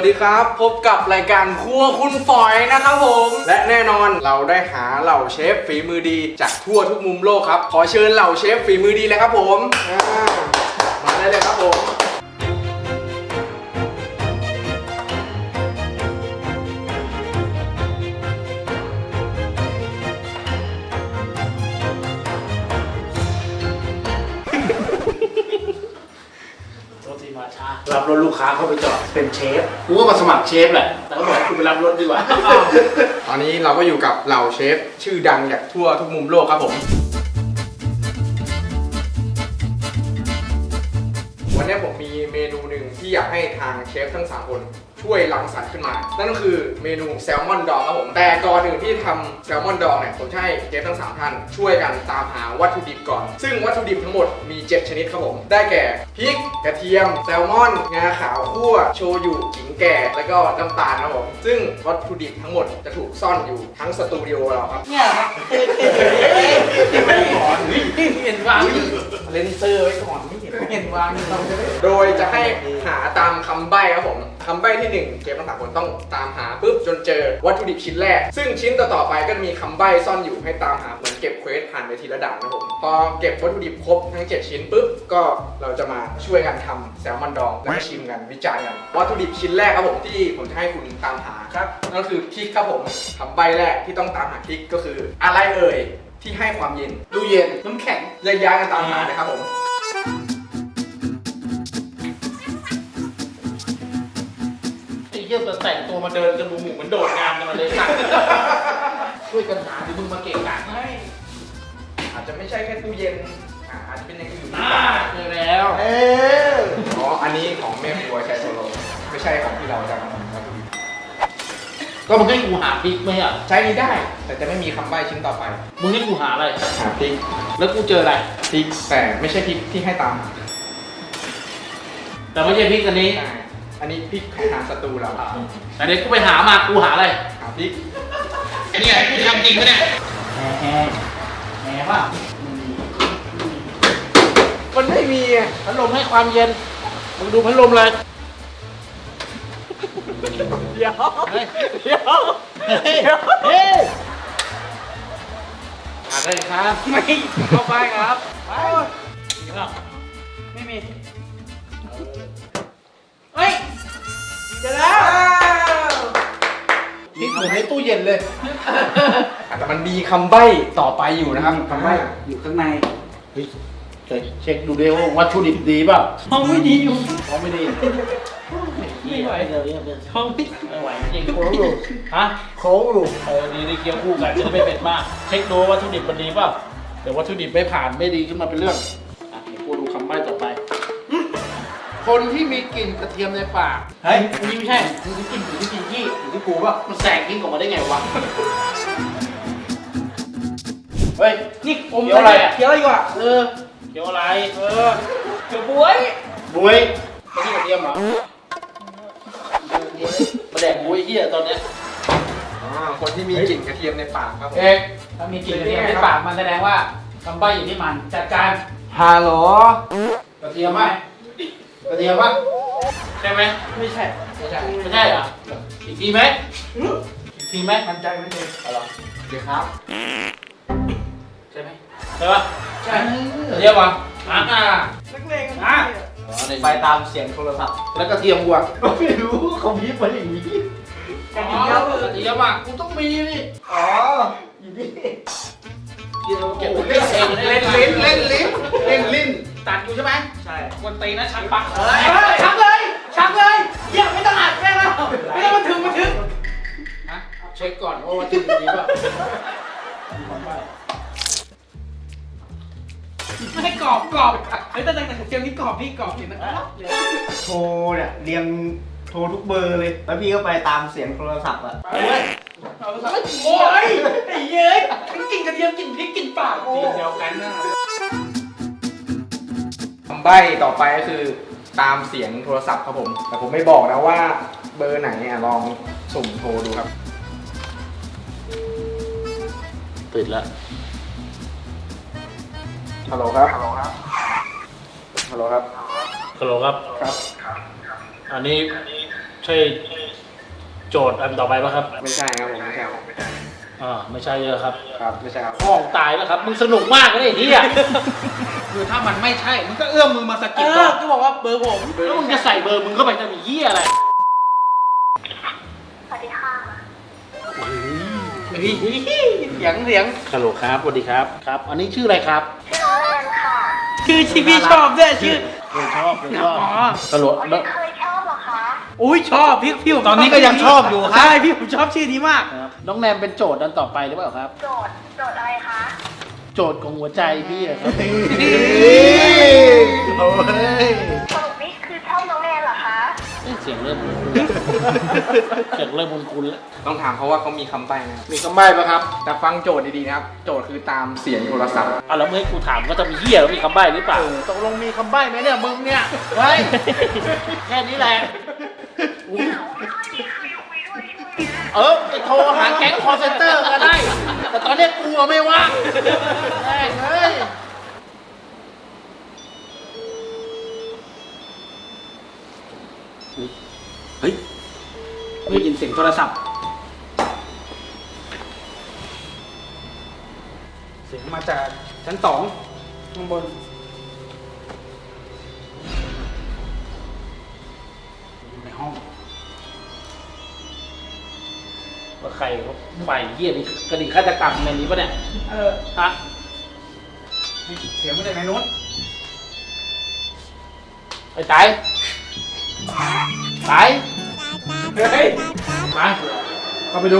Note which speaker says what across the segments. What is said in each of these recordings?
Speaker 1: วัสดีครับพบกับรายการครัวคุณฝอยนะครับผมและแน่นอนเราได้หาเหล่าเชฟฝีมือดีจากทั่วทุกมุมโลกครับขอเชิญเหล่าเชฟฝีมือดีเลยครับผมมาได้เลยครับผม
Speaker 2: รับรถลูกค้าเข้าไปจอดเป็นเชฟกูก็มาสมัครเชฟแหละแต่ก็บอกให้กูไปรับรถดีกว่า
Speaker 1: ตอนนี้เราก็อยู่กับเหล่าเชฟชื่อดังจากทั่วทุกมุมโลกครับผมวันนี้ผมมีเมนูหนึ่งที่อยากให้ทางเชฟทั้ง3คนช่วยรังสรรค์ขึ้นมานั่นก็คือเมนูแซลมอนดองครับผมแต่ก่อนอื่นที่ทำแซลมอนดองเนี่ยผมจะให้เชฟทั้ง3ท่านช่วยกันตามหาวัตถุดิบก่อนซึ่งวัตถุดิบทั้งหมดมี7ชนิดครับผมได้แก่พริกกระเทียมแซลมอนงาขาวคั่วโชยุขิงแก่แล้วก็น้ำตาลครับผมซึ่งวัตถุดิบทั้งหมดจะถูกซ่อนอยู่ทั้งสตูดิโอเราครับ
Speaker 3: เนี่ยครับไม่เห็นวางเลนเซอร์ไว้ก่อนไม่เห็นวาง
Speaker 1: โดยจะให้หาตามคำใบ้ครับผมคำใบ้ที่1เชฟทั้ง3คนต้องตามหาปุ๊บจนเจอวัตถุดิบชิ้นแรกซึ่งชิ้นต่อๆไปก็จะมีคำใบ้ซ่อนอยู่ให้ตามหาเหมือนเก็บเควสผ่านไปทีละด่านนะผมพอเก็บวัตถุดิบครบทั้ง7ชิ้นปุ๊บก็เราจะมาช่วยกันทำแซลมอนดองแล้วก็ชิมกันวิจารณ์กันวัตถุดิบชิ้นแรกครับผมที่ผมจะให้คุณตามหาครับนั่นก็คือพริกครับผมคำใบ้แรกที่ต้องตามหาพริกก็คืออะไรเอ่ยที่ให้ความเย็นตู้เย็นน้ำแข็งย้ายๆกันตามหาเลยครับผม
Speaker 2: เยี่ยมแต่งตัวมาเดินกันดูหมู่เหมือนโดดงานกันมาเลยค่ะช่วยกันหาดิมึงมาเก่งกาจให้
Speaker 1: อาจจะไม่ใช่แค่ตู้เย็นอาจจะเป็นอย่างอื่น
Speaker 2: เจอแล้ว
Speaker 1: อ๋ออันนี้ของแม่ครัวใช้โซโลไม่ใช่ของที่เราจะทำครับ
Speaker 2: ก็มึงให้กูหาพริกไหมอ่ะ
Speaker 1: ใช้นี้ได้แต่จะไม่มีคำใบ้ชิ้นต่อไป
Speaker 2: มึงให้กูหาอะไร
Speaker 1: หาพริก
Speaker 2: แล้วกูเจออะไร
Speaker 1: พริกแต่ไม่ใช่พริกที่ให้ตามหา
Speaker 2: แต่ไม่ใช่พริกอันนี้
Speaker 1: อันนี้พริกหาศัตรูเรา
Speaker 2: แต่เดี๋ยวกูไปหามากูหาอะไร
Speaker 1: หาพริก
Speaker 2: นี่ไงกูทำจริงปะเนี่ยแหมป่ะ
Speaker 1: มันไม่มี
Speaker 2: พัดลมให้ความเย็นมึงดูพัดลมเลย
Speaker 3: เดี๋ยวเฮ้ย
Speaker 2: อะไรครับ
Speaker 3: ไม่เข้าไปครับไปไม่มีเฮ้ยเจอแล้ว
Speaker 2: พริกเหมือนในตู้เย็นเลย
Speaker 1: แต่มันมีคำใบ้ต่อไปอยู่นะครับคำใบ้
Speaker 3: อยู่ข้างใน
Speaker 2: เช็คดูดิว่าวัตถุดิบดีป่ะ
Speaker 3: ท้องไม่ดีอยู่
Speaker 2: ท้องไม่ดี
Speaker 3: ไม่ไหวท้อง
Speaker 2: ไม่ไหวจริงโค้งอยู่ฮะโค้งอยู่ดีเคี้ยวคู่กันจะได้ไม่เผ็ดมากเช็คดูวัตถุดิบมันดีป่ะเดี๋ยววัตถุดิบไม่ผ่านไม่ดีขึ้นมาเป็นเรื่องกูดูคำใบ้ต่อไปคนที่มีกลิ่นกระเทียมในปาก
Speaker 3: เฮ้ยนี่ไม่ใช่มันกลิ่นอยู่ที่ขี้
Speaker 2: อยู่ที่กูป่ะมันแสงกลิ่นออกมาได้ไงวะเฮ้ย
Speaker 3: นี่อม
Speaker 2: เคี้ยวอะไรอ่ะ
Speaker 3: เคี้ยวอะไรอยู่อ่ะ
Speaker 2: เคี้ยวอะไร
Speaker 3: เคี้ยวบวย
Speaker 2: ไม่ใช่กระเทียมเหรอมาแดกบวยเหี้ยตอนเนี้ย
Speaker 1: คนที่มีกลิ่นกระเทียมในปากครับ
Speaker 3: ถ้ามีกลิ่นกระเทียมในปากมันแสดงว่าคำใบ้อยู่ที่มันจัดการ
Speaker 1: ฮัลโหล
Speaker 2: กระเทียมไหมกระเทียมปะใช่ไหม
Speaker 3: ไม่ใช่
Speaker 2: เหรออีกทีไหมอีกทีไหม
Speaker 3: มันใจมันเอง
Speaker 2: อะไรเดี๋ยวครับใช่ไหมใช่ปะ
Speaker 3: ใช่
Speaker 2: กระเทียมปะ
Speaker 3: นักเลง
Speaker 2: ไปตามเสียงโทรศัพท์แล้วกระเทียมกูอ่ะไม่รู้เขาพีบมาอย่างนี้กระเทียมอ่ะกูต้องมีนี่
Speaker 3: อยู่นี่
Speaker 2: เก็บเล่นลิ้นตัดอยู่ใช่ไหม
Speaker 3: ใช่
Speaker 2: วันตีนะชักปัก
Speaker 3: ชักเลยเยี่ยมไม่ต้องอัดแม่แล้วไม่ต้องมาถึง
Speaker 2: ฮะเช็คก่อนว่าวัตถุดิบดีป่ะ
Speaker 3: ไม่ให้กรอบเฮ้ยแต่เกมนี้กรอบพี่กรอบจริงนะ
Speaker 4: โทรเนี่ยเรียงโทรทุกเบอร์เลยแล้วพี่ก็ไปตามเสียงโทรศัพท์อะ
Speaker 3: โอ้ยไอ้เย้ยกินกระเทียมกินพริกกินปาก
Speaker 2: ทีเดียวกันนะ
Speaker 1: คำใบ้ต่อไปก็คือตามเสียงโทรศัพท์ครับผมแต่ผมไม่บอกนะว่าเบอร์ไหนลองสุ่มโทรดูครับ
Speaker 2: ติดแล้ว
Speaker 1: ฮัลโหลครับ
Speaker 2: ฮัลโหลครับอันนี้ใช่โจทย์อันต่อไปป่ะครับ
Speaker 1: ไม่ใช่ครับผมไม่ใช่ครับ
Speaker 2: ไม่ใช่เยอะครับ
Speaker 1: ครับไม่ใช่ครับ
Speaker 2: ห้องตายแล้วครับ มึงสนุกมากเลยไอ้เหี้ย
Speaker 3: คือถ้ามันไม่ใช่มันก็เอื้อมมือมาสะกิด
Speaker 4: ก็บอกว่าเบอร์ผม
Speaker 2: แล้วมึงจะใส่เบอร์มึงเข้าไปจะมีเหี้ยอะไร
Speaker 5: สวัสดีค่ะ
Speaker 3: เสียง
Speaker 2: ฮัลโหลครับสวัสดีครับครับ อันนี้ชื่ออะไรครับ
Speaker 5: ชื่อน้องแอนค่ะ
Speaker 3: ชื่อที่พี่ชอบด้วยชื่อ
Speaker 2: ชอบฮัลโหล
Speaker 5: วัน
Speaker 2: แล้
Speaker 5: นี้
Speaker 2: ว
Speaker 5: เคยชอบเหรอคะ
Speaker 3: อุ้ยชอบพี่ผม
Speaker 4: ตอนนี้ก็ยังชอบอยู่ครับ
Speaker 3: ใช่พี่ผมชอบชื่อนี้มาก
Speaker 2: ครับน้องแนมเป็นโจทย์อันต่อไปหรือเปล่าครับ
Speaker 5: โจทย์อะไรคะ
Speaker 2: โจทย์ของหัวใจพี่อะครับ
Speaker 4: โอ้ย
Speaker 5: สรุปนี่คือชอบน้องแอนเหรอคะ
Speaker 2: เสียงเริ่มคุ้นๆแล้วเสียงเริ่มคุ้นๆแล้ว
Speaker 1: ต้องถามเขาว่าเขามีคำใบ้ไหมครับ
Speaker 2: มีคำใบ้ป่ะครับ
Speaker 1: แต่ฟังโจทย์ดีๆนะครับ โจทย์คือตามเสียงโทรศัพท์
Speaker 2: แล้วเมื่อกูถามก็จะมีเหี้ยแล้วมีคำใบ้หรือเปล่า
Speaker 4: ตกลงมีคำใบ้ไหมเนี่ยมึงเนี่ย
Speaker 2: เฮ้ยแค่นี้แหละ
Speaker 5: ไม่ค่อยมีใครคุยด้วยช่วงเนี้ย
Speaker 2: ไปโทรหาแก๊งคอร์เซนเตอร์ก็ได้ แต่ตอนนี้กูอะไม่ว่างแม่งเฮ้ย
Speaker 3: เฮ้ยได้ยินเสียงโทรศัพท์เสียงมาจากชั้น2ข้างบนอยู่ในห้อง
Speaker 2: ว่าใครเขาฝ่ายเหี้ยนี่กระดิ่งฆาตกรรมในนี้ปะเนี่ยฮะ
Speaker 3: เสียงมาจากในนู้น
Speaker 2: ไอ้ตายตาย
Speaker 3: เฮ้ย
Speaker 2: มาเข้าไปดู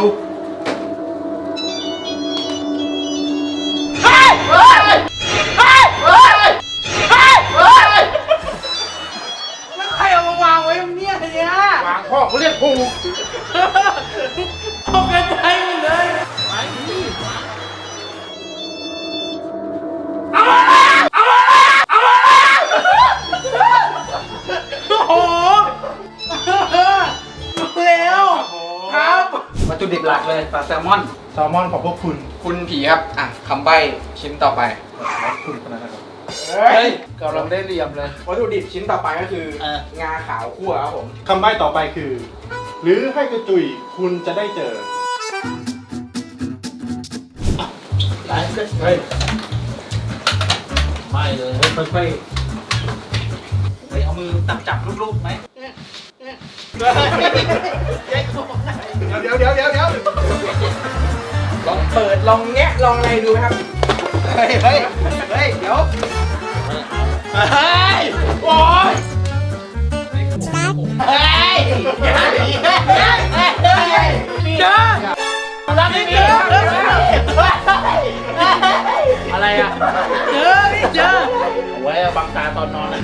Speaker 3: แล้วใครเอามาวางไว้ตรงเนี้ยเนี่ยว
Speaker 2: างพ่อเขาเรียกผูก
Speaker 3: ตกใจหมดเลย
Speaker 2: ไปนี่
Speaker 3: โอ้โหรู้แล้วครับ วัตถุดิบหลักเลยปลาแซลมอน
Speaker 4: แซลมอนของพวกคุณ
Speaker 1: คุณผีครับ อ่ะคำใบ้ชิ้นต่อไป
Speaker 4: คุณคนนั้นนะครับ
Speaker 3: เฮ้ยกำลังได้เรียมเลย
Speaker 1: วัตถุดิบชิ้นต่อไปก็คือ งาขาวคั่วครับผม
Speaker 6: คำใบ้ต่อไปคือ หรือให้กระจุยคุณจะได้เจอ
Speaker 2: ตายเฮ้ยไม่เลย
Speaker 3: ค่อยๆเฮ้ยเอามือจับลูกๆไหม
Speaker 6: เดี๋ยว
Speaker 1: ลองเปิด ลองแงะ ลองอะไรดูไหมครับ
Speaker 3: เฮ้ยเดี๋ยว
Speaker 2: เฮ้ยโอ้ยเฮ้ยเจอรับนี่เจออะไรอ่ะ
Speaker 3: เจอพี่เจอ
Speaker 2: เอาไว้บังตาตอนนอนนะ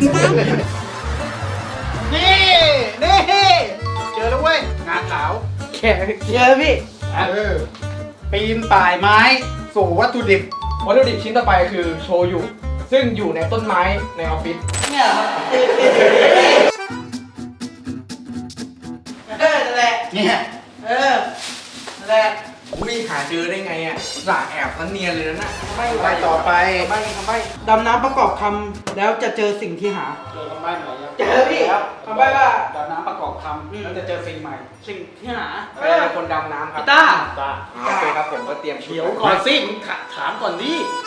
Speaker 3: นี่เจอแล้วเว้ยงาขาวแค่เจอพี่ปีนป่ายไม้สู่วัตถุดิบ
Speaker 1: วัตถุดิบชิ้นต่อไปคือโชยุ ซึ่งอยู่ในต้นไม้ในออฟฟิศ
Speaker 3: เนี่ยนั่นแหละ
Speaker 2: เนี่ย
Speaker 3: นั่นแหละ
Speaker 1: อุ้ยหาเจอได้ไงอ่ะอุตส่าห์แอบแล้วเนียนเลยนะ
Speaker 3: ไปต่อไป
Speaker 1: คำใบ้
Speaker 3: ดำน้ำประกอบคำแล้วจะเจอสิ่งที่หา
Speaker 2: เจอคำใบ้ไหนยัง
Speaker 3: เจอพี่คำใบ้ว่าดำน้ำประกอบคำแล้วจะเจอสิ่งใหม่ สิ่งที่หา
Speaker 1: ใครเป็นคนดำน้ำครับ
Speaker 3: พี่ต้า
Speaker 2: ตา
Speaker 1: โอเคครับผมก็เตรียมชุด
Speaker 2: เดี๋ยวก่อนสิมึงถามก่อนดิ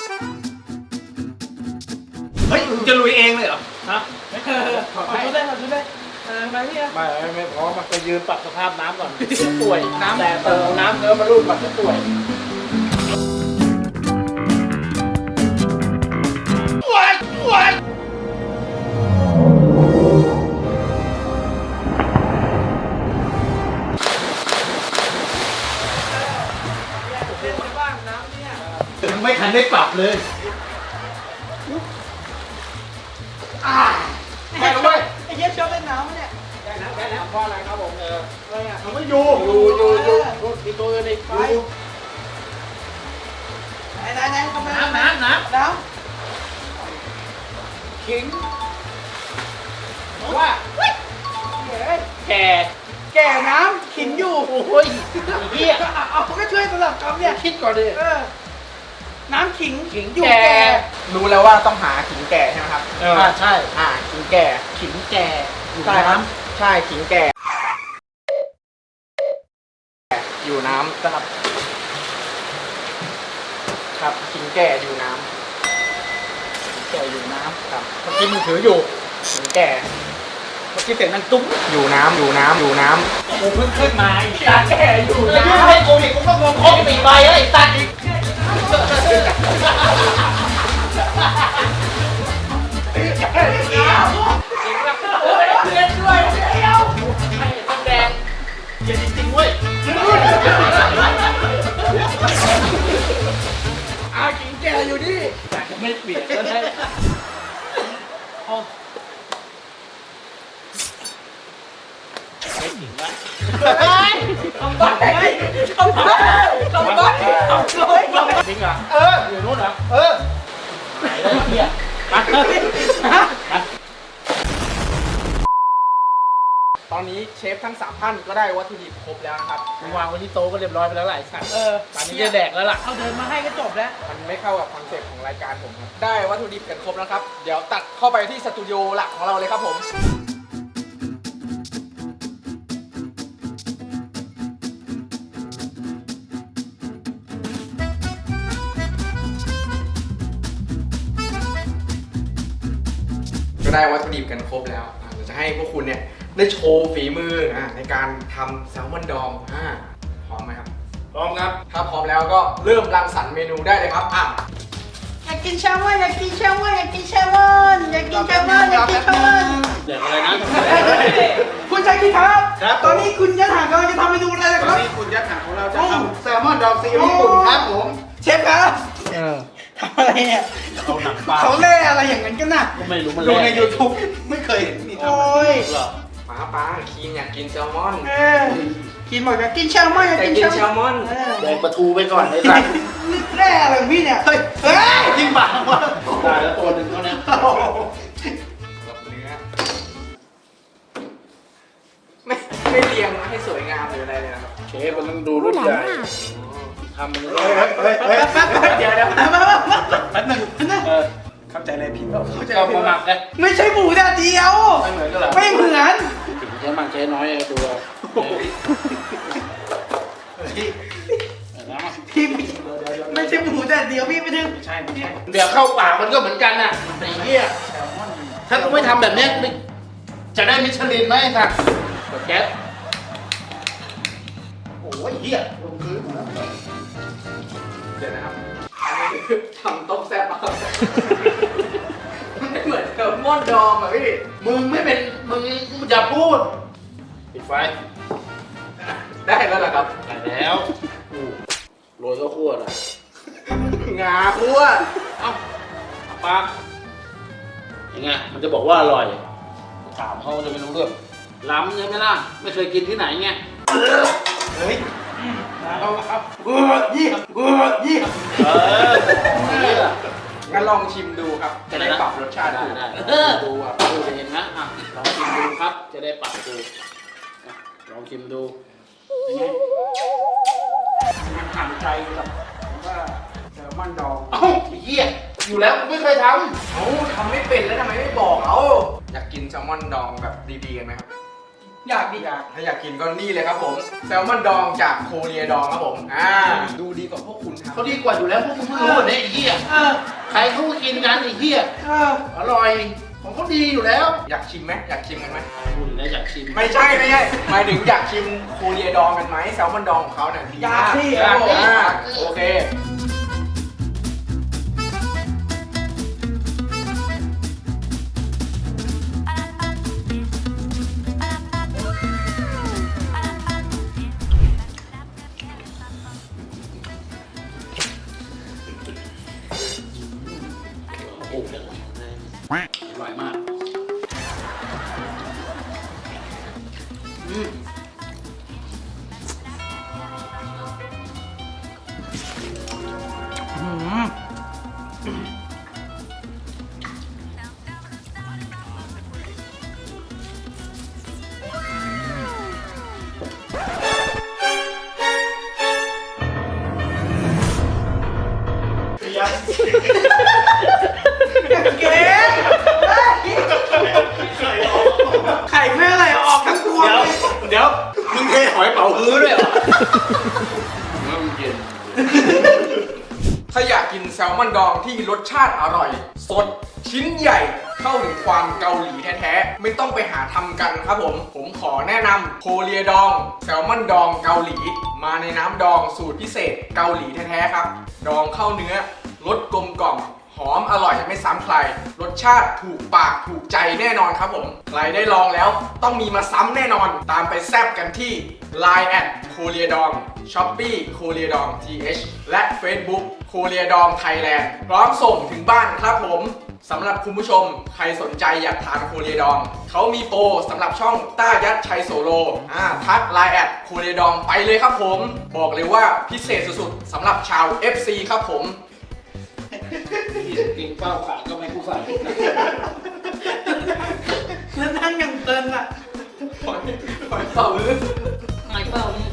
Speaker 3: เฮ้ยมึงจะลุยเองเลยเหรอ
Speaker 2: ฮะ
Speaker 3: ขอชุดได้ขอชุดได้ไปพี่อะ
Speaker 2: ไม่พร้อมไปยืนปรับสภาพน้ำก่อนป่วยน้ำแต่เติมน้ำเนื้อมาลูบปรับจะป่วยไม่ทันได้ปรับเลย
Speaker 3: ไปแล้วเว้ยไอ้เหี้ยชอบเล่นน้ำเนี่ย
Speaker 2: เพราะอะไรครับผม
Speaker 3: อะไรอ่ะ
Speaker 6: มันไม่อยู่
Speaker 2: รถมีตัวอื่นอีก
Speaker 3: ไปไหนทำไม
Speaker 2: น้ำ
Speaker 3: น้ำขิง
Speaker 2: ว่าแก
Speaker 3: แก่น้ำขิงอยู่
Speaker 2: โอ้ยเหี้ย
Speaker 3: เอาก็ช่วยสลับคำเนี่ย
Speaker 2: คิดก่อนดิ
Speaker 3: น้ำขิง
Speaker 2: ขิง
Speaker 3: อยู่
Speaker 2: แก่
Speaker 3: แก่
Speaker 1: รู้แล้วว่าต้องหาขิงแก่ใช่ไหมครับ
Speaker 2: ใช่
Speaker 1: ขิงแก่
Speaker 2: ขิงแก่อยู่
Speaker 1: ใช่
Speaker 2: ใน
Speaker 1: ครับ
Speaker 2: น้ำ
Speaker 1: ใช่ขิงแก่อยู่น้ำครับครับขิงแก่อยู่น้ำแก่อยู่น้ำครับเมื่อกี้มือถืออยู่ขิงแก่เมื่อกี้เสียงนั่งตุ้มอยู่น้ำอยู่น้ำอยู่น้ำ
Speaker 2: กูเพิ่งขึ้นมาอีกตาแก่อยู่
Speaker 3: ไม่
Speaker 2: นะ
Speaker 3: ให้กูอีกกูก็งง
Speaker 2: ครบ4 ใบแล้วไอ้ตัดอีกเล่นด้วยเดียวให้ต้องแดงเย็นจริงๆเว้ย
Speaker 1: ขิงแก่อยู่นี่
Speaker 2: แต่จะไม่เปลี่ยนก็ได้ไม่ถึงละทำบ้าทำบ้าทำบ้าจริงเหรออยู่นู้นเหรอไหนเลยเฮียมา
Speaker 1: ตอนนี้เชฟทั้ง3ท่านก็ได้วัตถุดิบครบแล้วนะครับ
Speaker 2: วางไว้ที่โต๊ะก็เรียบร้อยไปแล้วหลายสั่งตอนนี้จะแดกแล้วล่ะ
Speaker 3: เอาเดินมาให้ก็จบแล้ว
Speaker 1: มันไม่เข้ากับคอนเซ็ปต์ของรายการผมครับได้วัตถุดิบกันครบแล้วครับเดี๋ยวตัดเข้าไปที่สตูดิโอหลักของเราเลยครับผมก็ได้วัตถุดิบกันครบแล้วเดี๋ยวจะให้พวกคุณเนี่ยได้โชว์ฝีมือในการทำแซลมอนดองพร้อมไหมครับ
Speaker 2: พร้อมครับ
Speaker 1: ถ้าพร้อมแล้วก็เริ่มรังสรรค์เมนูได้เลยครับ
Speaker 3: อยากกินแซลมอนอยากกินแซลมอนอยากกินแซลมอนอยากกินแซลมอนอยากกินแซลมอน
Speaker 2: แดกอะไรนะ
Speaker 3: คุณชายกินครับ
Speaker 4: ครับ
Speaker 3: ตอนนี้คุณยัดหางกำลังจะทำเมนูอะไรนะ
Speaker 4: ต
Speaker 3: ค
Speaker 4: อน
Speaker 3: รับ
Speaker 4: นี้คุณยักษ์หางของเราจะทำแซลมอนดองซีอิ๊วญี่ปุ่นครับผม
Speaker 3: เชฟครับทำอะไรเนี่ย
Speaker 2: เอาหนังปลา
Speaker 3: เขาเล่อะไรอย่างนั้นกันน่ะ
Speaker 2: ก็ไม่รู้มัน
Speaker 4: ดูใน
Speaker 2: แรก
Speaker 4: YouTube ไม่เคยเห็นมีทำ
Speaker 3: โอ้ย
Speaker 2: เหรอ
Speaker 1: ป้าคีนอยากกินแซลมอน
Speaker 3: กินบอกอยากกินแซลมอนอยาก
Speaker 1: แต่
Speaker 3: กิน
Speaker 1: กิน
Speaker 3: แซ
Speaker 1: แซ
Speaker 3: ล
Speaker 1: ล
Speaker 3: ม
Speaker 1: ม
Speaker 3: อน
Speaker 1: อน
Speaker 2: แดกปลาทูไปก่อนไอ้สัตว์
Speaker 3: แร่อะไรของพี่เนี่ย เฮ้ย
Speaker 4: จริงปะวะ
Speaker 2: ได้แล้วตัวหนึ่งเขาเนี่ย
Speaker 1: กับเนื้อไม่เรียงให้สวยงามหรืออะไรเลยนะครับ
Speaker 2: เชฟมันต้องดูรุ่นใหญ่ทำมันเลย
Speaker 1: เดี๋ยว
Speaker 3: แป๊บหนึ่งเข้าใจอะไรผิดเปล่าเข้าใจ
Speaker 2: ก็
Speaker 3: ผิด
Speaker 2: มาหมักไง
Speaker 3: ไม่ใช่หมูแดดเดียว
Speaker 2: ไม่เหมือนกันเหรอ
Speaker 3: ไม่เหมือน
Speaker 2: ใช้มันใช้น้อยไอ้ตัวน้ำ
Speaker 3: พี่ไม่ใช่หมูแดดเดียวพี่ไม่ถึง
Speaker 2: ใช่ไม่ใช่เดี๋ยวเข้าปากมันก็เหมือนกันน่ะไอ้เหี้ยถ้ากูไม่ทำแบบเนี้ยจะได้มิชลินไหมไอ้สัตว์กดแก๊ส
Speaker 4: โอ้ยเหี้ยลงพื้นหมดแล้ว
Speaker 1: เดี๋ยวนะครับอันนี้คือทำต้มแซ่บอะครับไม่เหมือนแซลมอนดองอ่ะพี่
Speaker 2: มึงไม่เป็นมึงอย่าพูดปิดไฟ
Speaker 1: ได้แล้วเหรอครับ
Speaker 2: ได้แล้วโรยข้าวคั่วหน่อย
Speaker 1: งาคั่ว
Speaker 2: เอ้าปากยังไงมันจะบอกว่าอร่อยถามเขาจะไม่รู้เรื่องล้ำใช่ไหมล่ะไม่เคยกินที่ไหนไง
Speaker 3: เฮ้ยเอายี่
Speaker 2: เออ
Speaker 1: งั้นลองชิมดูครับจะได้ปรับรสชาติ
Speaker 2: ได้
Speaker 1: ดู
Speaker 2: ได้ดูอ่ะดูจะเห็นนะอ่ะลองชิมดูครับจะได้ปรับดูอ่ะลองชิมดูเป็นไง
Speaker 3: มันห่างใจกับว่าแซลมอนดอง
Speaker 2: เอ้าไอ้เหี้ยอยู่แล้วกูไม่เคยท
Speaker 1: เอ้าทำไม่เป็นแล้วทำไมไม่บอกเอาอยากกินแซลมอนดองแบบดีๆกันไหมครับ
Speaker 3: อยากดิอยาก
Speaker 1: ถ้าอยากกินก็นี่เลยครับผมแซลมอนดองจากโคเรียดองครับผมดูดีกว่าพวกคุณ
Speaker 2: ำ
Speaker 1: ทำ
Speaker 2: เขาดีกว่าอยู่แล้วพวกมึงเพิ่งรู้เนี่ยไอ้เหี้ยใครเขาก็กินกันไอ้เหี้ยอร่อยของเขาดีอยู่แล้ว
Speaker 1: อยากชิมไหมอยากชิมกันไหม
Speaker 2: พูดแล้วอยากชิม
Speaker 1: ไม่ใช่หมายถึงอยากชิมโคเรียดองกันไหมแซลมอนดองของเขาเนี่ยดี
Speaker 3: อยากสิ
Speaker 1: ครับผมโอเค
Speaker 2: โอ้โหอร่อยมากมึงเทหอยเป่าฮื้อด้วยเหรอว่ามันเย็น
Speaker 1: ถ้าอยากกินแซลมอนดองที่รสชาติอร่อย สดชิ้นใหญ่เข้าถึงความเกาหลีแท้ๆไม่ต้องไปหาทำกันครับผมขอแนะนำโคเรียดองแซลมอนดองเกาหลี มาในน้ำดองสูตรพิเศษเกาหลีแท้ๆครับ ดองเข้าเนื้อรสกลมกล่อมหอมอร่อยไม่ซ้ำใคร รสชาติถูกปากถูกใจแน่นอนครับผมใครได้ลองแล้วต้องมีมาซ้ำแน่นอนตามไปแซบกันที่ Line แอดโคเรียดอง Shopee โคเรียดอง TH และ Facebook โคเรียดองไทยแลนด์พร้อมส่งถึงบ้านครับผมสำหรับคุณผู้ชมใครสนใจอยากทานโคเรียดองเขามีโปรสำหรับช่องต้ายัดชัยโซโลทัก Line แอดโคเรียดองไปเลยครับผมบอกเลยว่าพิเศษสุดๆสำหรับชาว FC ครับผม
Speaker 2: กินเป้าขาก็ไม่กูใส่
Speaker 3: แล้วนั่งอย่างเพลินอ่ะ
Speaker 1: หอยเป่า
Speaker 2: ไม่เป้ามึง